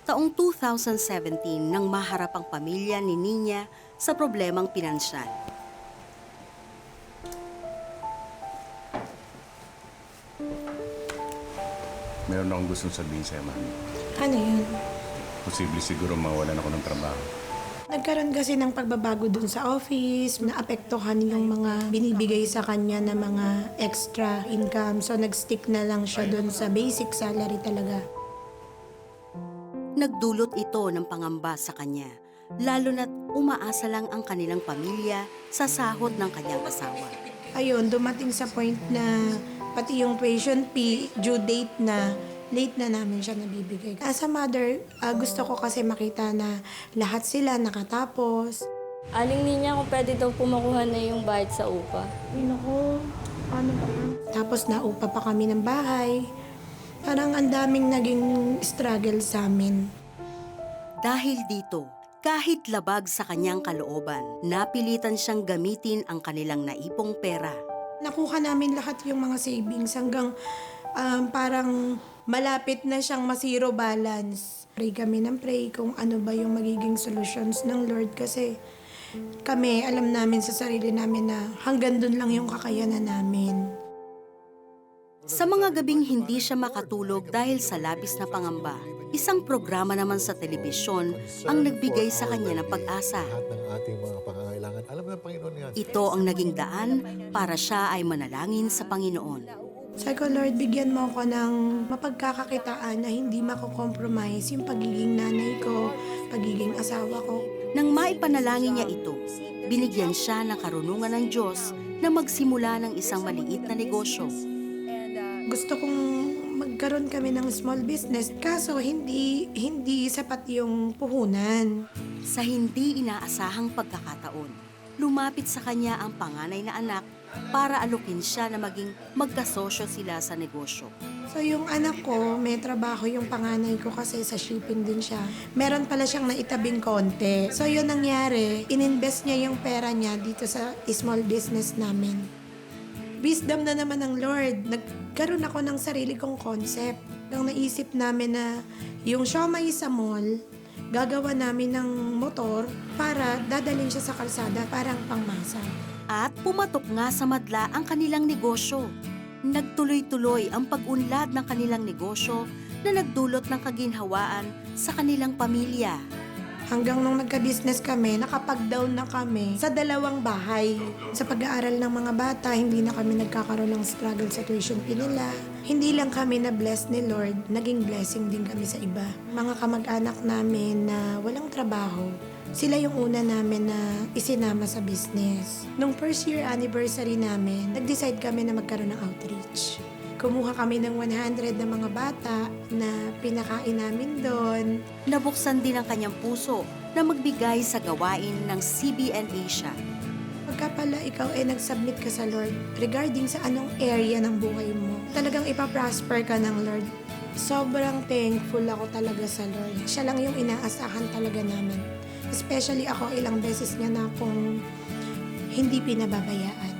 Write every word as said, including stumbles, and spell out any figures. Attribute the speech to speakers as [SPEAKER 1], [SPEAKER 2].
[SPEAKER 1] Taong two thousand seventeen nang maharap ang pamilya ni Nina sa problemang pinansyal.
[SPEAKER 2] Meron akong gustong sabihin sa'yo, Mami.
[SPEAKER 3] Ano yun?
[SPEAKER 2] Posible siguro mawalan ako ng trabaho.
[SPEAKER 3] Nagkaroon kasi ng pagbabago dun sa office, naapektuhan yung mga binibigay sa kanya na mga extra income. So nag-stick na lang siya dun sa basic salary talaga.
[SPEAKER 1] Nagdulot ito ng pangamba sa kanya, lalo na't umaasa lang ang kanilang pamilya sa sahod ng kanyang asawa.
[SPEAKER 3] Ayun, dumating sa point na pati yung tuition fee, due date na, late na namin siya nabibigay. As a mother, ah, gusto ko kasi makita na lahat sila nakatapos.
[SPEAKER 4] Aling niya kung pwede daw pumakuha na yung bayad sa upa.
[SPEAKER 3] Ay, naku, ano ba yan? Tapos naupa pa kami ng bahay. Parang ang daming naging struggle sa amin.
[SPEAKER 1] Dahil dito, kahit labag sa kanyang kalooban, napilitan siyang gamitin ang kanilang naipong pera.
[SPEAKER 3] Nakuha namin lahat yung mga savings hanggang um, parang malapit na siyang ma-zero balance. Pray kami ng pray kung ano ba yung magiging solutions ng Lord kasi kami, alam namin sa sarili namin na hanggang dun lang yung kakayanan namin.
[SPEAKER 1] Sa mga gabing hindi siya makatulog dahil sa labis na pangamba, isang programa naman sa telebisyon ang nagbigay sa kanya ng pag-asa.
[SPEAKER 5] Lahat ng ating mga pangangailangan. Alam mo ng Panginoon yan.
[SPEAKER 1] Ito ang naging daan para siya ay manalangin sa Panginoon.
[SPEAKER 3] Sabi ko, Lord, bigyan mo ako ng mapagkakakitaan na hindi mako-compromise yung pagiging nanay ko, pagiging asawa ko.
[SPEAKER 1] Nang maipanalangin niya ito, binigyan siya ng karunungan ng Diyos na magsimula ng isang maliit na negosyo.
[SPEAKER 3] Gusto kong magkaroon kami ng small business, kaso hindi, hindi sapat yung puhunan.
[SPEAKER 1] Sa hindi inaasahang pagkakataon, lumapit sa kanya ang panganay na anak para alukin siya na maging magkasosyo sila sa negosyo.
[SPEAKER 3] So yung anak ko, may trabaho yung panganay ko kasi sa shipping din siya. Meron pala siyang naitabing konti. So yun nangyari, ininvest niya yung pera niya dito sa small business namin. Wisdom na naman ng Lord. Nagkaroon ako ng sarili kong concept. Nang naisip namin na yung siomai sa mall, gagawa namin ng motor para dadalhin siya sa kalsada parang pangmasa.
[SPEAKER 1] At pumatok nga sa madla ang kanilang negosyo. Nagtuloy-tuloy ang pag-unlad ng kanilang negosyo na nagdulot ng kaginhawaan sa kanilang pamilya.
[SPEAKER 3] Hanggang nung nagka-business kami, nakapag-down na kami sa dalawang bahay. Sa pag-aaral ng mga bata, hindi na kami nagkakaroon ng struggle sa tuition fee nila. Hindi lang kami na-bless ni Lord, naging blessing din kami sa iba. Mga kamag-anak namin na walang trabaho, sila yung una namin na isinama sa business. Nung first year anniversary namin, nag-decide kami na magkaroon ng outreach. Kumuha kami ng one hundred na mga bata na pinakain namin doon.
[SPEAKER 1] Nabuksan din ang kanyang puso na magbigay sa gawain ng C B N Asia.
[SPEAKER 3] Pagka pala ikaw ay nag-submit ka sa Lord regarding sa anong area ng buhay mo, talagang ipaprosper ka ng Lord. Sobrang thankful ako talaga sa Lord. Siya lang yung inaasahan talaga namin. Especially ako, ilang beses niya na akong hindi pinababayaan.